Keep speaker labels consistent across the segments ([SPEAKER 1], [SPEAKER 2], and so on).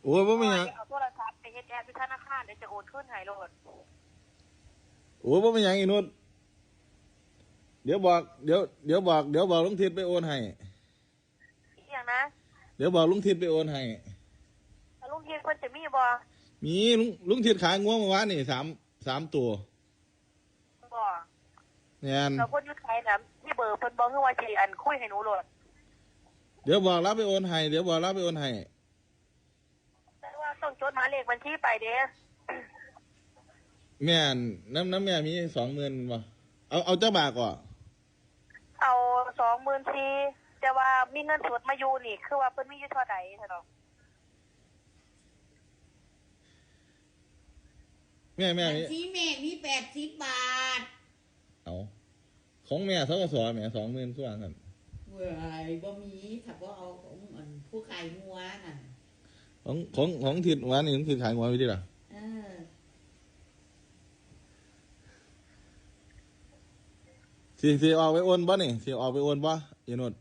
[SPEAKER 1] โอ้ยว่าไม่ยัง
[SPEAKER 2] เอาโทรศัพท์ไปเฮ็ดแอปที่ธนาคารเดี๋ยวจะโอนขึ้นให้โลด
[SPEAKER 1] โอ้ยว่าไม่ยังอีนุชเดี๋ยวบอกเดี๋ยวบอกลุงทิศไปโอนให้
[SPEAKER 2] อีกอย่างนะ
[SPEAKER 1] เดี๋ยวบอกลุงทิศไปโอนให้
[SPEAKER 2] แล้วลุงทีเพิ่นจะมีบ่
[SPEAKER 1] มีลุงทิศขายงัวเมื่อวานนี่สามตัว
[SPEAKER 2] บ่
[SPEAKER 1] เนี่ย
[SPEAKER 2] เราเพิ่นอยู่ไทยนะมีเบอร์เพิ่นบ่คือว่าสิอันคุยให้หนูโลด
[SPEAKER 1] เดี๋ยวบอกรับไปโอนให้เดี๋ยวบอกรับไปโอนให้
[SPEAKER 2] แต่ว่าต้องจดหมายเลขบัญชีไปเด้
[SPEAKER 1] แม่น้ำแม่มี20,000บ่เอาเจ้าบาทก่อน
[SPEAKER 2] เอา24,000แต่ว่ามีเงินสดมาอยู่นี่คือว่าเพิ่นมีอยู่เท่าใดซะดอก
[SPEAKER 1] แม่
[SPEAKER 3] บัญ
[SPEAKER 1] มี
[SPEAKER 3] ชีแม่มี80 บาท
[SPEAKER 1] เอาของแม่ธกสแม่20,000ส่วนกัน
[SPEAKER 3] เว้ยบ่มีถ้าบ่เอาของอันผู้ขายงัวน่ะ
[SPEAKER 1] ของทิศวันนี้ลุงทิศขายงัวไว้ดิล่ะ
[SPEAKER 3] เออ
[SPEAKER 1] สิออกไปโอนบ่นี่สิออกไปโอนบ่อีนุช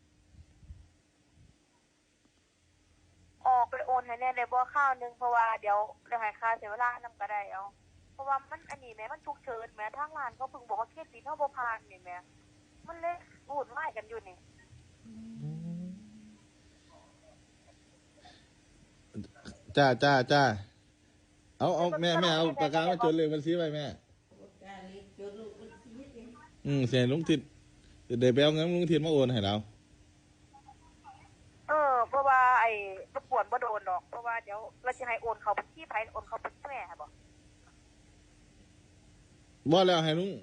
[SPEAKER 2] ออกไปโอนให้แน่ได้บ่ข้าวนึงเพราะว่าเดี๋ยวให้ค่าเสียเวลานำก็ได้เอาเพราะว่ามันอันนี้แม่มันฉุกเฉินแม่ทางร้านเขาเพิ่งบอกว่าเครดิตเฮาบ่ผ่านนี่แม่มันเลยวุ่นวายกันอยู่นี่
[SPEAKER 1] จ้าเอาแม่เอาปากกามาจดเลยบัญชีไว้แม่
[SPEAKER 3] การเล็กจดลูกบัญชีเด้
[SPEAKER 1] เสียลุงทิศเดี๋ยวไปเอาเงินลุงทิศมาโอนให้เรา
[SPEAKER 2] เพราะว่าไอ้รบกวนบ่โดนดอกเพราะว่าเดี๋ยวเราจะให้โอนเขาบัญชีไผโอนเขาบัญชีแม่บ่
[SPEAKER 1] บ่แล้วให้ลุง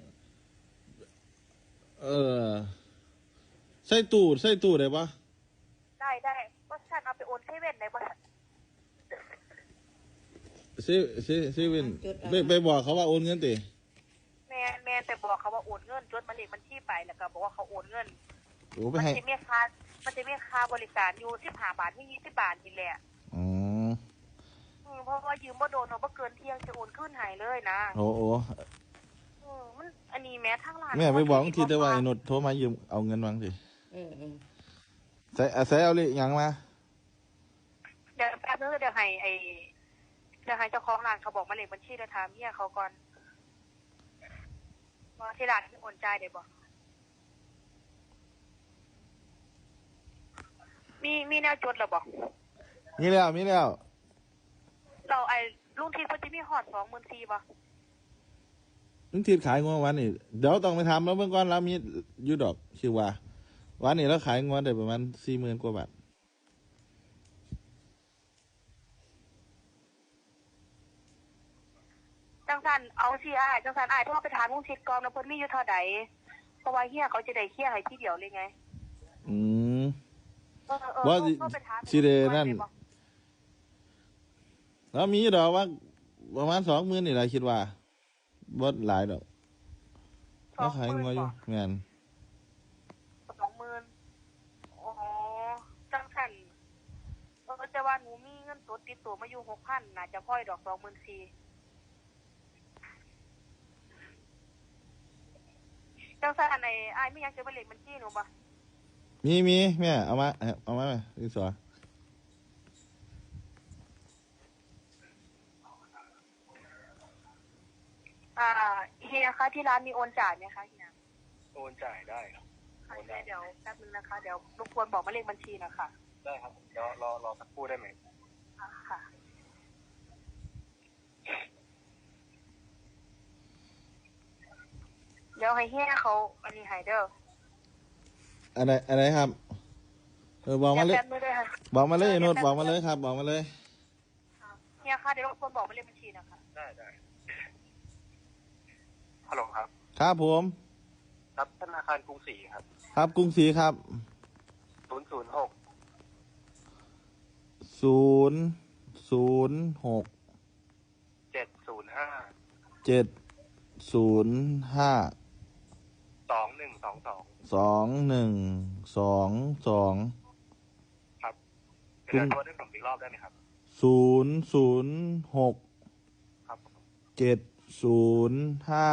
[SPEAKER 1] ใส่ตู้ได้ปะ
[SPEAKER 2] ได้ว่าฉันเอาไปโอนเซเว่นได้บ่
[SPEAKER 1] ซีวินไปบอกเขาว่าโอนเงินติ
[SPEAKER 2] แม่แต่บอกเขาว่าโอนเงินจดหมายเลขบัญชีไปแล้วก็บอกว่าเขาโอนเงิน
[SPEAKER 1] โอ้ไปให้
[SPEAKER 2] มันจะมีค่าบริการอยู่15 บาทถึง20 บาทนี่แหละ
[SPEAKER 1] อ๋อ
[SPEAKER 2] เพราะว่ายืมบ่โดนเนาะบ่เกินเที่ยงจะโอนคืนให้เลยนะ
[SPEAKER 1] โอ้
[SPEAKER 2] มันอันนี้แม้ทางร้าน
[SPEAKER 1] แม่ไปบอกทีได้ว่าไอ้นุชโทรมายืมเอาเงินวางสิใส่เอาเลยยังมา
[SPEAKER 2] เดี๋ยวแป๊บนึงเดี๋ยวให้เจ้าของร้านเขาบอกมาเลขบัญชีเดี๋ยวถามเมียเขาก่อนว่าที่ร้านโอนจ่ายได้บ่มีแนวจดหรอบ่
[SPEAKER 1] มีแล้ว
[SPEAKER 2] เราไอ้ลุงทีเพิ่นสิมีฮอด24,000บ่
[SPEAKER 1] ลุงทิศขายงัววันนี้เดี๋ยวต้องไปทำแล้วเมื่อก่อนเรามีอยู่ดอกชื่อว่าวันนี้เราขายงัวได้ประมาณ40,000 กว่าบาท
[SPEAKER 2] จังซั่นเอาสิอ้ายจังซั่นอ้ายโทรไปถามลุงทิศก่อนว่าเพิ่นมีอยู่เท่าใดเพราะว่าเฮียเขาจะได้เคลียร์ให้ทีเดียวเลยไง
[SPEAKER 1] ว่าสิเดนั่นแล้วมีดอกว่าประมาณ20,000นี่แหละคิดว่าบ่หลายดอกเราขายงัวอยู่แม่น
[SPEAKER 2] 20,000อ๋อจังซั่นแต่ว่าหนูมีเงินสดติดตัวมาอยู่ 6,000 น่าจะพอดอก 24,000จังซั่นอ้ายมีหยังจะบ่เลขบัญชีหนูบ่
[SPEAKER 1] มีแม่เอามาแม่ดิสอ
[SPEAKER 2] เฮียคะที่ร้านมีโอนจ่ายไหมคะเฮีย
[SPEAKER 4] โอนจ่ายได้ครับ
[SPEAKER 2] ค่ะเดี๋ยวแป๊บนึงนะคะเดี๋ยวรบกวนบอกหมายเลขบัญชีนะคะ
[SPEAKER 4] ได้ครับเดี๋ยวรอสักครู่ได้ไหม
[SPEAKER 2] ค่ะเดี๋ยวให้เฮียเขาอันนี้ให้เด้อ
[SPEAKER 1] อะไรครับบอกมาเลยบอกมาเลยโน้ตบอกมาเลยครับบอกมาเลย
[SPEAKER 2] เฮียคะเดี๋ยวรบกวนบอกหมายเลขบัญชีนะคะ
[SPEAKER 4] ได้ฮัลโหลครับ
[SPEAKER 1] ครับผม
[SPEAKER 4] ครับธนาคารกรุงศรีครับ
[SPEAKER 1] ครับกรุงศรีครับ
[SPEAKER 4] 006
[SPEAKER 1] 006
[SPEAKER 4] 705
[SPEAKER 1] 705 2122
[SPEAKER 4] ครับเดี๋ยวโทรได้ผมอีกรอบได้ไหมครับ
[SPEAKER 1] 006
[SPEAKER 4] ครับ
[SPEAKER 1] 705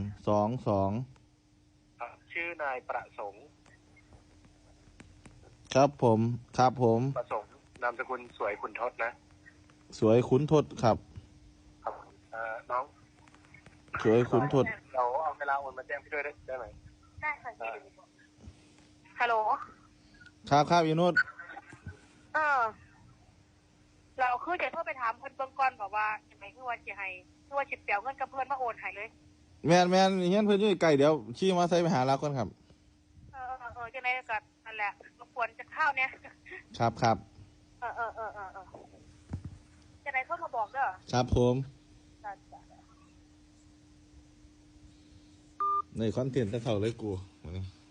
[SPEAKER 1] 2122
[SPEAKER 4] ครับชื่อนายประสงค์
[SPEAKER 1] ครับผมครับผม
[SPEAKER 4] ประสงค์นามสกุลสวยขุนทศนะ
[SPEAKER 1] สวยขุนทศครับ
[SPEAKER 4] ครับน้อง
[SPEAKER 1] สวยขุนทศ
[SPEAKER 4] เราเอาเวลาโอนมาแจ้งพี่ด้วยได้ไหม
[SPEAKER 2] ได้ค่ะฮัลโหล
[SPEAKER 1] ครับครับอีนุช
[SPEAKER 2] เออเราคือจะโทรไปถามเพิ่นเบิ่งก่อนบอกว่าจังไดคือว่าสิให้คือว่าสิเปียวเงินกับเพิ่นมาโอนให้เลย
[SPEAKER 1] แมนแมนเฮียนเพิ่นอยู่ไกลเดี๋ยวขี่มาใส่ไปหาเราก่อนครับ
[SPEAKER 2] จังไดก็นั่นแหละรบกวนจะข้าวเนี่ย
[SPEAKER 1] ครับครับ
[SPEAKER 2] เออจังไดเข้ามาบอกเด้อ
[SPEAKER 1] ครับผม
[SPEAKER 2] จ้ะ
[SPEAKER 1] ในคอนเทนต์แต่เท่าเลยกู